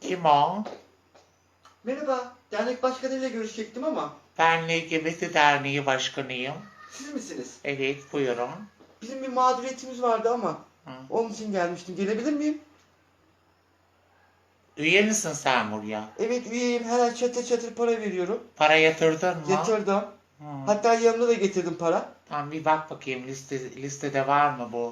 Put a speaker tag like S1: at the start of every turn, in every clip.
S1: Kim o?
S2: Merhaba, dernek başkanıyla görüşecektim ama
S1: Ben LGBT Derneği Başkanıyım.
S2: siz misiniz?
S1: Evet, buyurun.
S2: Bizim bir mağduriyetimiz vardı ama
S1: Hı.
S2: onun için gelmiştim. Gelebilir miyim?
S1: Üye misin sen buraya?
S2: Evet, üyeyim. Her ay çatır çatır para veriyorum.
S1: Para yatırdın mı?
S2: Yatırdım.
S1: Hı.
S2: Hatta yanımda da getirdim para.
S1: Tamam, bir bak bakayım listede var mı bu?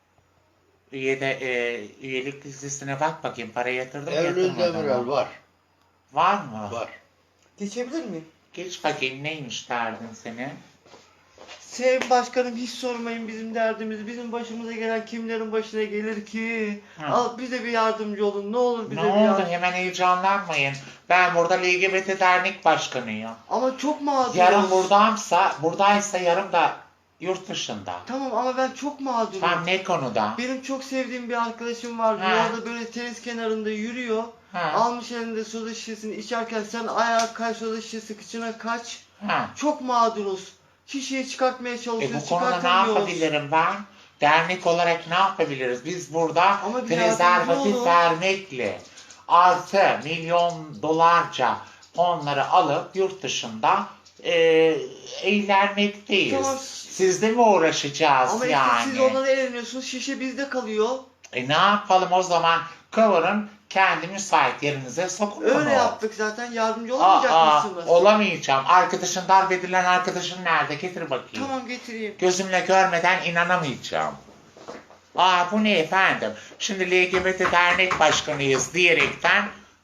S1: Üyelik listesine bak bakayım. Para yatırdın mı
S3: Eylül
S1: yatırmadın
S3: Demirel
S1: mı?
S3: var.
S1: Var mı?
S3: Var.
S2: Geçebilir miyim?
S1: Geç bakayım, neymiş derdin senin?
S2: Sayın Başkanım, hiç sormayın bizim derdimizi. Bizim başımıza gelen kimlerin başına gelir ki?
S1: Hı.
S2: Al bize bir yardımcı olun. Ne olur bize
S1: Ne
S2: bir
S1: oldu?
S2: yardım.
S1: Hemen heyecanlanmayın. Ben burada LGBT Dernek Başkanıyım.
S2: Ama çok mağduruz.
S1: Yarın buradaysa yarın da yurt dışında.
S2: Tamam ama ben çok mağdurum.
S1: Tam ne konuda?
S2: Benim çok sevdiğim bir arkadaşım var.
S1: Ha.
S2: Yolda böyle tenis kenarında yürüyor.
S1: Ha.
S2: Almış elinde soda şişesini içerken sen ayağa kay, soda şişesi kıçına kaç.
S1: Ha.
S2: Çok mağduruz. Şişeyi çıkartmaya çalışıyoruz.
S1: Bu konuda ne
S2: çıkartamıyoruz.
S1: yapabilirim ben? Dernek olarak ne yapabiliriz? Biz burada
S2: Ama bir yardımcı
S1: prezervatif
S2: olun.
S1: vermekle artı milyon dolarca onları alıp yurt dışında eğlenmekteyiz.
S2: Tamam.
S1: Sizde mi uğraşacağız
S2: Ama
S1: yani?
S2: işte siz onları eğleniyorsunuz. Şişe bizde kalıyor.
S1: Ne yapalım o zaman? Kıvırın, kendi müsait yerinize sokun
S2: Öyle
S1: bunu.
S2: yaptık zaten. Yardımcı olamayacak mısınız?
S1: Olamayacağım. Arkadaşın, darp edilen arkadaşın nerede? Getir bakayım.
S2: Tamam getireyim.
S1: Gözümle görmeden inanamayacağım. Bu ne efendim? Şimdi LGBT Dernek Başkanıyız diyerekten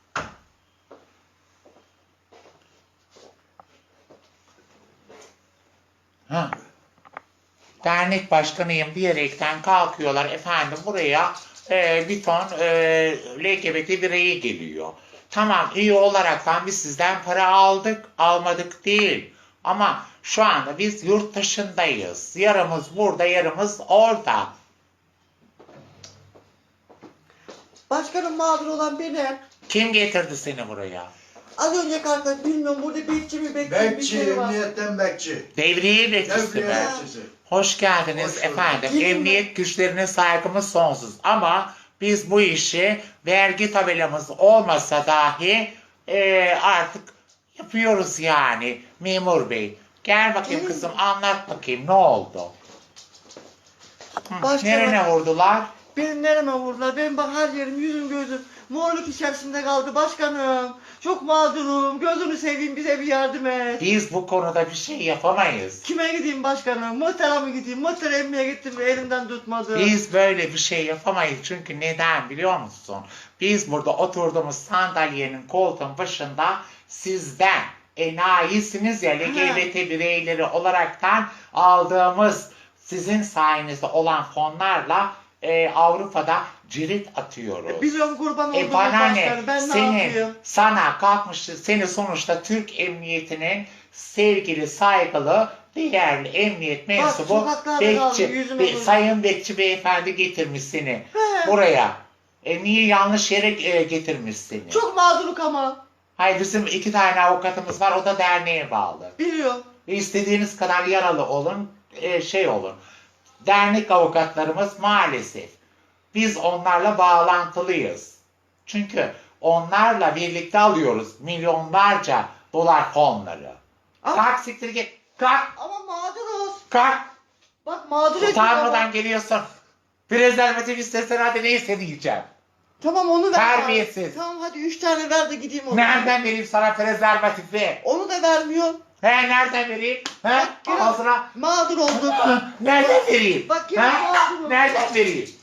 S1: dernek başkanıyım diyerekten kalkıyorlar efendim buraya bir ton LGBT bireyi geliyor. Tamam, üye olaraktan biz sizden para aldık, almadık değil. Ama şu anda biz yurt dışındayız. Yarımız burada, yarımız orada.
S2: Başkanım, mağdur olan benim.
S1: Kim getirdi seni buraya?
S2: Az önce kalktım, bilmiyorum burada bekçi mi bekçi bir
S3: Bekçi,
S2: şey var.
S3: emniyetten bekçi.
S1: Devriye bekçisi
S3: Devriye
S1: mi?
S3: bekçisi.
S1: Hoş geldiniz
S3: Hoş bulduk.
S1: efendim.
S2: Kim
S1: Emniyet güçlerine saygımız sonsuz. Ama biz bu işi vergi tabelamız olmasa dahi artık yapıyoruz yani memur bey. Gel bakayım
S2: Kim?
S1: kızım, anlat bakayım ne oldu?
S2: Başka-
S1: Nerene vurdular?
S2: Benim nereme vurdular? Benim bak her yerim, yüzüm gözüm morluk içerisinde kaldı başkanım. Çok mağdurum. Gözünü seveyim, bize bir yardım et.
S1: Biz bu konuda bir şey yapamayız.
S2: Kime gideyim başkanım? Muhtara mı gideyim? Muhtara emmiye gittim ve elimden tutmadı.
S1: Biz böyle bir şey yapamayız. Çünkü neden biliyor musun? Biz burada oturduğumuz sandalyenin koltuğun başında sizden enayisiniz ya, LGBT bireyleri olaraktan aldığımız sizin sayenizde olan fonlarla Avrupa'da cirit atıyoruz.
S2: Biliyorum, kurban olduğum
S1: Bana ne?
S2: başkanım. Ben ne yapayım?
S1: Sana kalkmış, seni sonuçta Türk Emniyeti'nin sevgili, saygılı, değerli emniyet mensubu
S2: sokaklarda kaldım, yüzüme vurdum.
S1: Sayın Bekçi Beyefendi getirmiş seni
S2: He.
S1: buraya. Niye yanlış yere getirmiş seni?
S2: Çok mağduruk ama.
S1: Hayır, bizim 2 tane avukatımız var, o da derneğe bağlı.
S2: Biliyorum.
S1: İstediğiniz kadar yaralı olun, olun. Dernek avukatlarımız maalesef. Biz onlarla bağlantılıyız. Çünkü onlarla birlikte alıyoruz milyonlarca dolar fonları.
S2: Ama,
S1: Kalk, siktir git. Kalk.
S2: ama mağduruz.
S1: Kalk.
S2: Bak mağdur ettik
S1: Utanmadan
S2: ama.
S1: geliyorsun. Prezervatif istesen hadi, ne isteyeceğim.
S2: Tamam, onu ver.
S1: Terbiyesiz.
S2: Tamam hadi 3 tane ver de gideyim onu.
S1: Nereden vereyim sana prezervatifi?
S2: Onu da vermiyor.
S1: Nereden vereyim?
S2: Bak,
S1: Ağzına.
S2: Mağdur olduk.
S1: Nereden vereyim?
S2: Bak, yine mağdurum.
S1: Nereden vereyim?